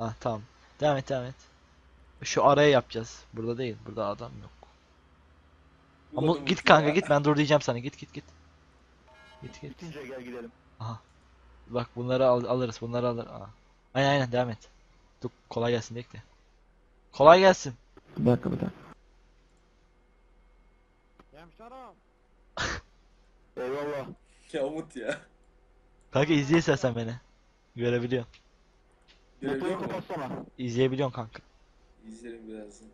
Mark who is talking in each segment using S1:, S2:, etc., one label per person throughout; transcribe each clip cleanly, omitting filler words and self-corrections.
S1: Ah tamam. Devam et devam et. Şu araya yapacağız. Burada değil. Burada adam yok. Ama
S2: Bulamadım
S1: git
S2: Umut
S1: kanka
S2: ya.
S1: git, ben dur diyeceğim sana, git git git. Git git.
S3: Bitince gel gidelim.
S1: Aha. Bak bunları alırız, bunları alır. Aa. Aynen aynen devam et. Dur kolay gelsin bekle. Kolay gelsin.
S4: Bir dakika bir dakika.
S5: Hemşerim.
S3: Eyvallah.
S2: Ya Umut ya.
S1: Kanka izle istersen beni. Görebiliyorsun.
S2: Görebiliyor
S3: Motoru
S2: musun?
S3: kapatsana.
S1: İzleyebiliyorsun kanka.
S2: İzlerim birazdan.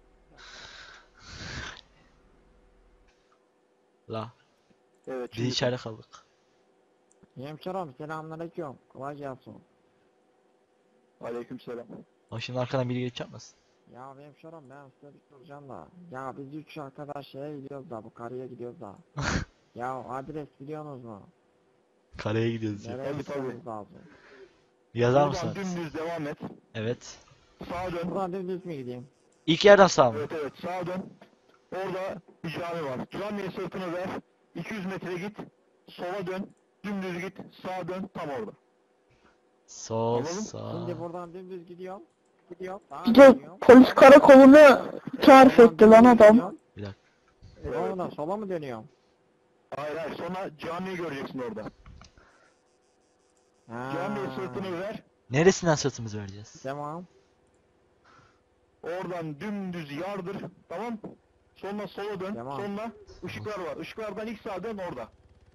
S1: La.
S3: Evet.
S1: Biz içeride kaldık.
S5: Hemşerim selamünaleyküm. Kolay gelsin.
S3: Aleykümselam.
S1: Ama şimdi arkadan biri geçecek misin?
S5: Ya hemşerim ben size bir soracağım da. Ya biz 3 arkadaş şeye gidiyoruz da bu karıya gidiyoruz da. Ya adres biliyorsunuz mu?
S1: Kareye gidiyoruz ya.
S5: Nereye
S3: Tabii, tabii.
S5: gitmemiz lazım?
S1: Yazar
S3: Buradan
S1: mısın?
S3: dümdüz devam et.
S1: Evet.
S3: Sağa dön.
S5: Buradan dümdüz mü gideyim?
S1: İlk yerden sağ mı?
S3: Evet evet sağa dön. Orada bir cami var. Camiye sırtını ver. 200 metre git. Sola dön. Dümdüz git. Sağa dön. Tam orada.
S1: Sol
S3: Anladın?
S1: sağ.
S5: Şimdi buradan dümdüz gidiyorum. Gidiyorum. Sağa
S6: Bir de
S5: dönüyorum.
S6: polis karakolunu tarif
S5: Buradan
S6: etti lan
S5: dümdüz
S6: adam.
S5: gidiyorum.
S1: Bir dakika.
S5: Sonra sola mı dönüyorum?
S3: Hayır hayır. Sonra camiyi göreceksin orada.
S5: Ha.
S3: Camiye sırtını ver.
S1: Neresinden sırtımızı vereceğiz?
S5: Tamam.
S3: Oradan dümdüz yardır. Tamam. Sonra sola dön.
S5: Tamam.
S3: Sonra ışıklar var. Işıklardan ilk sağa dön orada.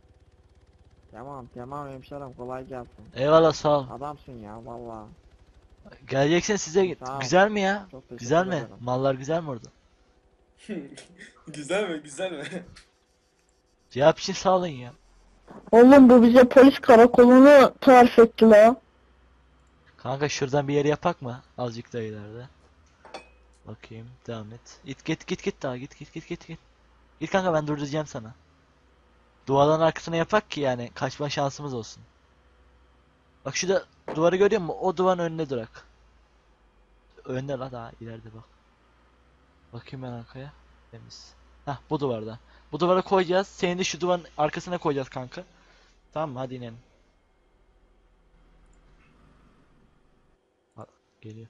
S5: Tamam hemşerim kolay gelsin.
S1: Eyvallah sağ ol.
S5: Adamsın ya valla.
S1: Geleceksin size.
S5: Sağ ol.
S1: Güzel mi ya?
S5: Çok teşekkür
S1: Güzel mi?
S5: ederim.
S1: Mallar güzel mi orada?
S2: Güzel mi? Güzel mi?
S1: Cevap için sağ olun ya.
S6: Oğlum bu bize polis karakolunu tarif etti la.
S1: Kanka şuradan bir yere yapak mı? Azıcık da ileride. Bakayım devam et. Git daha git. Git kanka, ben durduracağım sana. Duvarların arkasına yapak ki yani kaçma şansımız olsun. Bak şurada duvarı görüyor musun? O duvarın önünde durak. Önde la, daha ileride bak. Bakayım ben arkaya. Temiz. Hah bu duvarda. Bu duvara koyacağız. Seni de şu duvarın arkasına koyacağız kanka. Tamam mı? Hadi inelim. Ha, geliyor.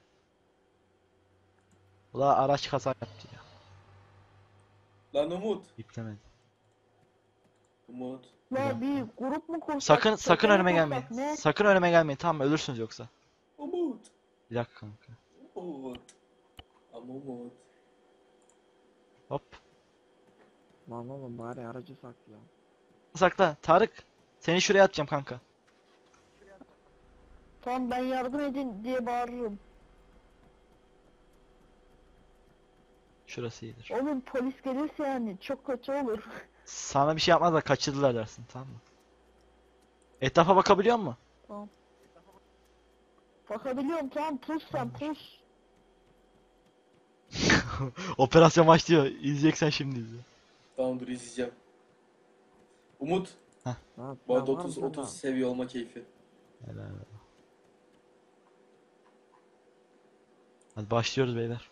S1: Ula araç kaza yaptı ya.
S2: Lan Umut.
S1: Yüklemedi.
S2: Umut.
S6: La bir grup mu kursak?
S1: Sakın
S6: çete
S1: önüme
S6: mi
S1: gelmeyin.
S6: kursak, ne?
S1: Sakın önüme gelmeyin. Tamam mı? Ölürsünüz yoksa.
S2: Umut.
S1: Bir dakika kanka.
S2: Umut. Ama Umut.
S1: Hop.
S5: Lan oğlum bari aracı saklayalım.
S1: Sakla. Tarık. Seni şuraya atacağım kanka.
S6: Tamam ben yardım edin diye bağırırım.
S1: Şurası iyidir.
S6: Oğlum polis gelirse yani çok kötü olur.
S1: Sana bir şey yapmazlar, kaçırdılar dersin, tamam mı? Etrafa bakabiliyor musun?
S6: Bakabiliyorum tamam pus sen pus.
S1: Operasyon başlıyor. İzleyeceksen şimdi izle.
S2: Tamam dur izleyeceğim. Umut.
S5: Ha,
S2: Bu arada
S5: tamam,
S2: 30
S5: tamam.
S2: 30 seviye olma keyfi.
S1: Helal. Hadi başlıyoruz beyler.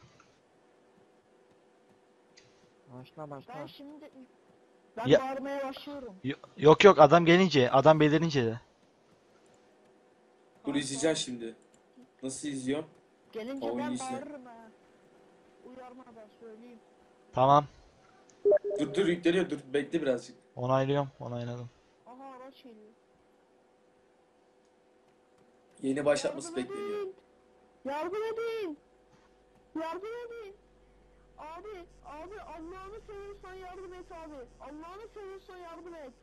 S5: Başla başla.
S6: Ben şimdi ben
S1: Ya-
S6: bağırmaya başlıyorum.
S1: Yok yok, adam gelince, adam belirince de.
S2: Dur izleyeceğim şimdi. Nasıl izliyorum?
S6: Gelince
S2: O
S6: ben
S2: iyisi.
S6: bağırırım ha. Uyarma ben söyleyeyim.
S1: Tamam.
S2: Dur yükleniyor, dur bekle birazcık.
S1: Onaylıyorum. Onayladım.
S6: Aha araç geliyor.
S2: Yeni başlatması
S6: Yardım
S2: bekleniyor.
S6: edin. Yardım edin. Yardım edin. Abi Allah'ını seviyorsan yardım et abi. Allah'ını seviyorsan yardım et.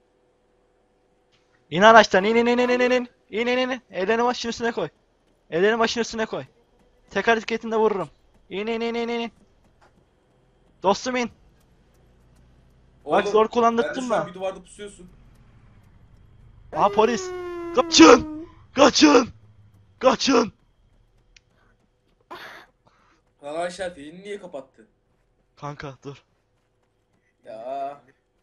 S1: İn araçtan, in. İn. Ellerini başın üstüne koy. Ellerini başın üstüne koy. Tek hareketinde vururum. İn. Dostum in. Bak
S2: Oğlum,
S1: zor
S2: ben de
S1: kullandırttım
S2: şu an
S1: da.
S2: bir duvarda pusuyorsun.
S1: Aha polis. Kaçın.
S2: Lan Ayşe yeni niye kapattı?
S1: Kanka dur.
S2: Ya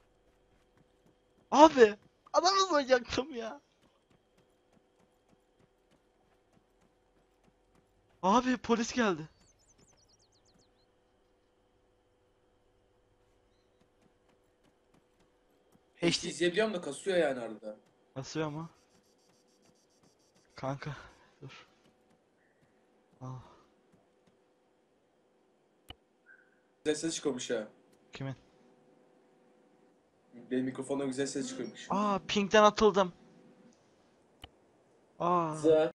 S1: Abi. Adamı soyacaktım ya. Abi polis geldi.
S2: HD izleyebiliyorum da kasıyor yani arada.
S1: Basıyor mu? Kanka dur. Ah,
S2: Güzel ses çıkıyormuş ha.
S1: kimin?
S2: Benim mikrofonda güzel ses çıkıyormuş.
S1: Ping'den atıldım.
S2: Za.